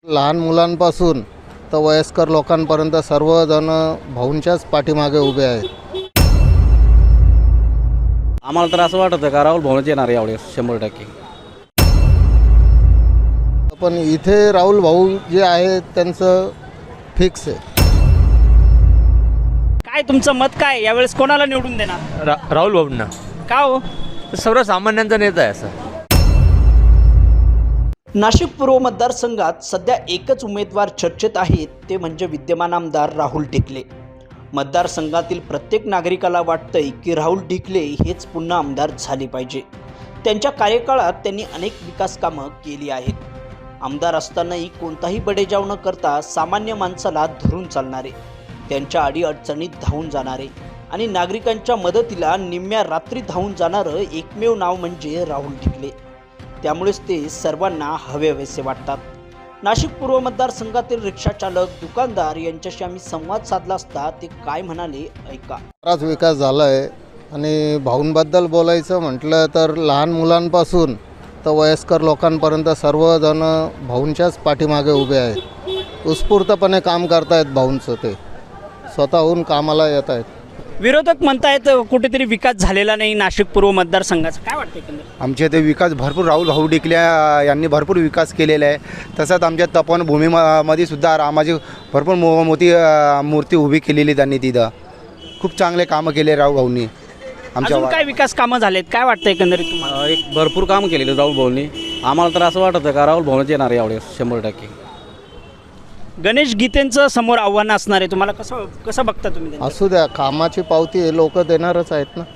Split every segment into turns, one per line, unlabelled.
लहान मुलांपासून तर वयस्कर लोकांपर्यंत सर्वजण भाऊंच्याच पाठीमागे उभे आहेत.
आम्हाला तर असं वाटतं का राहुल भाऊच येणार यावेळेस 100%.
पण इथे राहुल भाऊ जे आहे त्यांचं फिक्स आहे.
काय तुमचं मत काय यावेळेस कोणाला निवडून देणार?
राहुल बाबूंना.
का हो?
सर्वसामान्यांचा नेता आहे असं.
नाशिक पूर्व मतदारसंघात सध्या एकच उमेदवार चर्चेत आहेत, ते म्हणजे विद्यमान आमदार राहुल ढिकले. मतदारसंघातील प्रत्येक नागरिकाला वाटतंय की राहुल ढिकले हेच पुन्हा आमदार झाले पाहिजे. त्यांच्या कार्यकाळात त्यांनी अनेक विकास कामं केली आहेत. आमदार असतानाही कोणताही बडेजाव न करता सामान्य माणसाला धरून चालणारे, त्यांच्या अडीअडचणीत धावून जाणारे आणि नागरिकांच्या मदतीला निम्म्या रात्री धावून जाणारं एकमेव नाव म्हणजे राहुल ढिकले. त्यामुळेच ते सर्वांना हवेहवेसे वाटतात. नाशिक पूर्व मतदारसंघातील रिक्षाचालक, दुकानदार यांच्याशी आम्ही संवाद साधला असता ते काय म्हणाले ऐका.
बराच विकास झाला आहे आणि भाऊंबद्दल बोलायचं म्हटलं तर लहान मुलांपासून तर वयस्कर लोकांपर्यंत सर्वजण भाऊंच्याच पाठीमागे उभे आहेत. उत्स्फूर्तपणे काम करतायत. भाऊंचं ते स्वतःहून कामाला येत आहेत.
विरोधक म्हणतायत कुठेतरी विकास झालेला नाही नाशिक पूर्व मतदारसंघाचा. काय वाटतं एकंदरीत?
आमच्या इथे विकास भरपूर राहुल भाऊ ढिकले यांनी भरपूर विकास केलेला आहे. तसंच आमच्या तपोवनभूमीमध्ये सुद्धा रामाची भरपूर मोठी मूर्ती उभी केलेली त्यांनी. तिथं खूप चांगले कामं केले राहुल भाऊंनी.
अजून काय विकास कामं झालेत? काय वाटतं एकंदरीत तुम्हाला?
एक भरपूर काम केलेलं राहुल भाऊंनी. आम्हाला तर असं वाटतं का राहुल भाऊच येणार यावेळेस 100%.
गणेश गीतेंचं समोर आव्हान असणार आहे. तुम्हाला कसं बघता तुम्ही त्यांचं?
असू द्या, कामाची पावती लोक देणारच आहेत ना.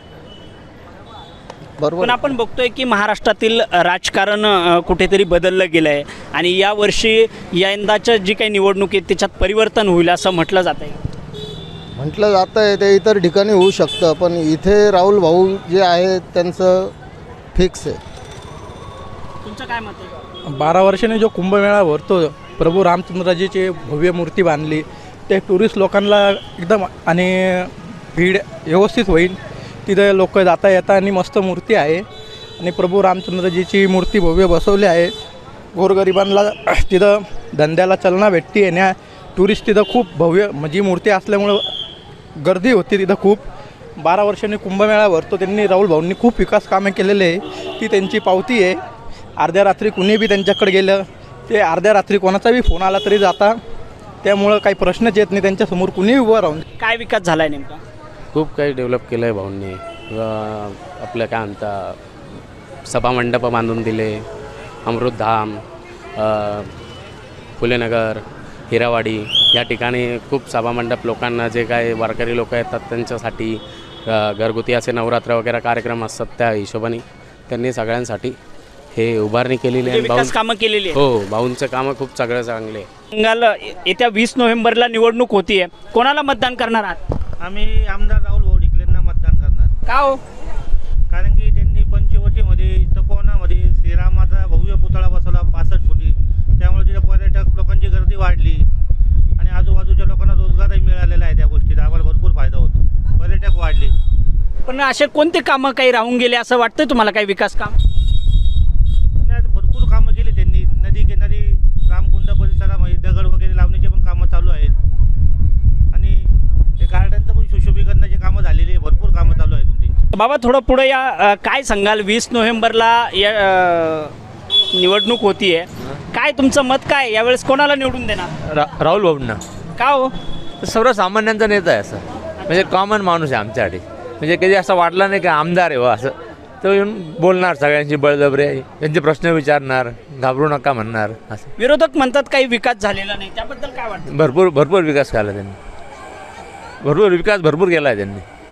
बरोबर.
पण आपण बघतोय की महाराष्ट्रातील राजकारण कुठेतरी बदललं गेलं आहे आणि यावर्षी यंदाच्या जी काही निवडणूक आहे त्याच्यात परिवर्तन होईल असं म्हटलं जात आहे.
म्हटलं जातं आहे ते इतर ठिकाणी होऊ शकतं, पण इथे राहुल भाऊ जे आहे त्यांचं फिक्स आहे.
तुमचं काय मत आहे?
12 वर्षांनी जो कुंभमेळा भरतो, प्रभू रामचंद्रजीची भव्य मूर्ती बांधली, ते टुरिस्ट लोकांना एकदम आणि भीड व्यवस्थित होईल. तिथे लोक जाता येता आणि मस्त मूर्ती आहे आणि प्रभू रामचंद्रजीची मूर्ती भव्य बसवली आहे. गोरगरिबांना तिथं धंद्याला चालना भेटते आणि टुरिस्ट तिथं खूप भव्य म्हणजे मूर्ती असल्यामुळं गर्दी होती तिथं खूप. 12 वर्षांनी कुंभमेळा भरतो. त्यांनी राहुल भाऊंनी खूप विकास कामे केलेले आहे. ती त्यांची पावती आहे. अर्ध्या रात्री कुणी बी त्यांच्याकडे गेलं, ते अर्ध्या रात्री कोणाचा बी फोन आला तरी जाता. त्यामुळं काही प्रश्नच येत नाही त्यांच्यासमोर कुणीही उभं राहून.
काय विकास झाला आहे नेमका?
खूप काही डेव्हलप केलं आहे भाऊंनी. आपलं काय म्हणता, सभामंडप बांधून दिले, अमृतधाम, फुलेनगर, हिरावाडी या ठिकाणी खूप सभामंडप लोकांना, जे काय वारकरी लोक येतात त्यांच्यासाठी घरगुती असे नवरात्र वगैरे कार्यक्रम असतात, त्या हिशोबाने त्यांनी सगळ्यांसाठी हे उभारणी केलेली आहे.
विकास कामं केलेली आहे.
हो, भाऊंचं कामं खूप सगळं चांगले.
बंगाल येत्या 20 नोव्हेंबरला निवडणूक होतीये. कोणाला मतदान करणार आहात?
आम्ही आमदार राहुल भाऊ ढिकलेंना मतदान करणार.
का हो?
कारण की त्यांनी पंचवटीमध्ये, तपोवनामध्ये श्रीरामाचा भव्य पुतळा बसवला 65 फुटी. त्यामुळे तिथे पर्यटक लोकांची गर्दी वाढली आणि आजूबाजूच्या लोकांना रोजगारही मिळालेला आहे. त्या गोष्टीचा आम्हाला भरपूर फायदा होतो. पर्यटक वाढले.
पण असे कोणते कामं काही राहून गेले असं वाटतंय तुम्हाला? काही विकास काम?
भरपूर कामं केली त्यांनी. नदी किनारी रामकुंड परिसरामध्ये दगड वगैरे लावण्याचे पण कामं चालू आहेत आणि ते गार्डनचं पण सुशोभीकरणाची कामं झालेली आहे. भरपूर कामं चालू आहेत त्यांची.
बाबा थोडं पुढे या. काय सांगाल? 20 नोव्हेंबरला या निवडणूक होतीये. काय तुमचं मत काय? यावेळेस कोणाला निवडून देणार?
राहुल बाबूंना.
का हो?
सर्वसामान्यांचा नेता आहे असं. म्हणजे कॉमन माणूस आहे आमच्यासाठी. म्हणजे कधी असं वाटलं नाही की आमदार आहे व असं. तो येऊन बोलणार सगळ्यांची बळजबरी, त्यांचे प्रश्न विचारणार, घाबरू नका म्हणणार असं.
विरोधक म्हणतात काही विकास झालेला नाही, त्याबद्दल काय वाटतं?
भरपूर विकास केला त्यांनी. भरपूर केला आहे त्यांनी.